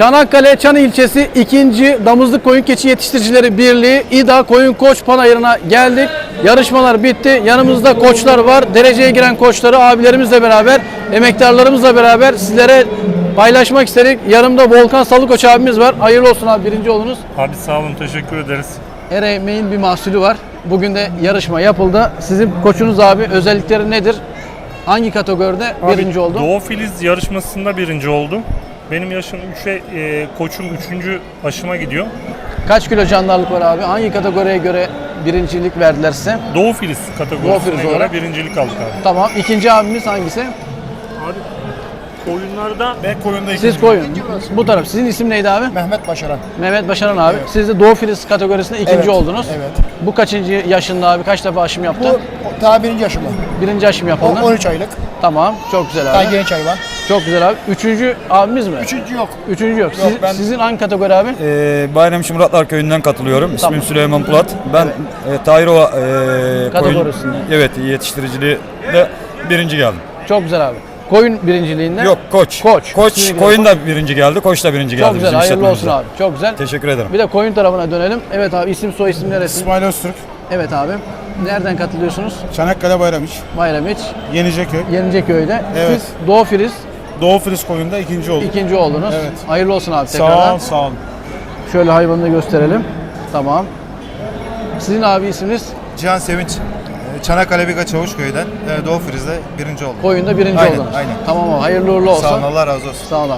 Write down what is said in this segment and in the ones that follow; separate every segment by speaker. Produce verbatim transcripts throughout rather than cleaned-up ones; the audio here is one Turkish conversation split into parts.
Speaker 1: Çanakkale Çan ilçesi ikinci Damızlık Koyun Keçi Yetiştiricileri Birliği İda Koyun Koç Panayırı'na geldik. Yarışmalar bitti. Yanımızda koçlar var. Dereceye giren koçları abilerimizle beraber, emektarlarımızla beraber sizlere paylaşmak istedik. Yanımda Volkan Salıkoç abimiz var. Hayırlı olsun abi, birinci oldunuz.
Speaker 2: Abi sağ olun, teşekkür ederiz.
Speaker 1: Her emeğin bir mahsulü var. Bugün de yarışma yapıldı. Sizin koçunuz abi, özellikleri nedir? Hangi kategoride
Speaker 2: Abi,
Speaker 1: birinci oldu?
Speaker 2: Doğu Filiz yarışmasında birinci oldum. Benim yaşım üçe, e, koçum üçüncü aşıma gidiyor.
Speaker 1: Kaç kilo candarlık var abi? Hangi kategoriye göre birincilik verdiler size?
Speaker 2: Doğu Filiz kategorisine
Speaker 1: Doğu Filiz
Speaker 2: göre
Speaker 1: olarak.
Speaker 2: birincilik aldık abi.
Speaker 1: Tamam. İkinci abimiz hangisi?
Speaker 2: Abi koyunlarda
Speaker 3: Ben koyunda
Speaker 1: Siz koyun. Bu taraf. Sizin isim neydi abi?
Speaker 3: Mehmet Başaran.
Speaker 1: Mehmet Başaran abi.
Speaker 3: Evet.
Speaker 1: Siz de Doğu Filiz kategorisinde ikinci
Speaker 3: Evet,
Speaker 1: oldunuz.
Speaker 3: evet.
Speaker 1: Bu kaçıncı yaşında abi? Kaç defa aşım yaptı?
Speaker 3: Bu daha birinci yaşım.
Speaker 1: Birinci aşım
Speaker 3: O
Speaker 1: yapıldı.
Speaker 3: on üç aylık.
Speaker 1: Tamam. Çok güzel
Speaker 3: Daha
Speaker 1: abi.
Speaker 3: genç hayvan.
Speaker 1: Çok güzel abi. Üçüncü abimiz mi?
Speaker 3: Üçüncü yok.
Speaker 1: Üçüncü yok.
Speaker 3: Yok,
Speaker 1: Siz-
Speaker 3: ben-
Speaker 1: Sizin hangi kategori abi?
Speaker 4: Ee, Bayramçı Muratlar Köyü'nden katılıyorum. İsmim
Speaker 1: Tamam.
Speaker 4: Süleyman Pulat. Ben e, Tahirova e, koyun,
Speaker 1: Kategorisinde.
Speaker 4: evet, yetiştiriciliği de birinci geldim.
Speaker 1: Çok güzel abi. Koyun birinciliğinde.
Speaker 4: Yok, koç.
Speaker 1: Koç.
Speaker 4: Koç
Speaker 1: Sizin
Speaker 4: koyun da birinci geldi, koç da birinci geldi.
Speaker 1: Çok güzel.
Speaker 4: bizim
Speaker 1: Hayırlı olsun
Speaker 4: işletmemizde.
Speaker 1: abi. Çok güzel.
Speaker 4: Teşekkür ederim.
Speaker 1: Bir de koyun tarafına dönelim. Evet abi, isim soy isim neresi?
Speaker 3: İsmail Öztürk.
Speaker 1: Evet abi. Nereden katılıyorsunuz?
Speaker 3: Çanakkale Bayramiç.
Speaker 1: Bayramiç,
Speaker 3: Yeniceköy.
Speaker 1: Yeniceköy'de.
Speaker 3: Evet.
Speaker 1: Siz Doğu Filiz
Speaker 3: Doğu Filiz koyunda ikinci olduk.
Speaker 1: ikinci oldunuz.
Speaker 3: Evet.
Speaker 1: Hayırlı olsun abi
Speaker 3: Sağ
Speaker 1: tekrardan.
Speaker 3: ol, sağ ol.
Speaker 1: Şöyle hayvanını gösterelim. Tamam. Sizin abi isminiz?
Speaker 5: Cihan Sevinç, Çanakkale Biga Çavuşköy'den Doğu Filiz'de birinci oldum.
Speaker 1: Koyunda birinci
Speaker 5: Aynen,
Speaker 1: oldunuz.
Speaker 5: aynen.
Speaker 1: Tamam abi, hayırlı uğurlu olsun.
Speaker 5: Sağ olun, Allah razı olsun.
Speaker 1: Sağ olun.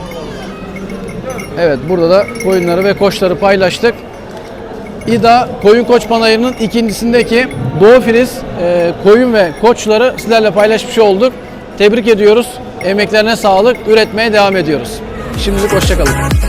Speaker 1: Evet, burada da koyunları ve koçları paylaştık. İda Koyun Koç Panayırı'nın ikincisindeki Doğu Filiz e, koyun ve koçları sizlerle paylaşmış olduk. Tebrik ediyoruz. Emeklerine sağlık. Üretmeye devam ediyoruz. Şimdilik hoşça kalın.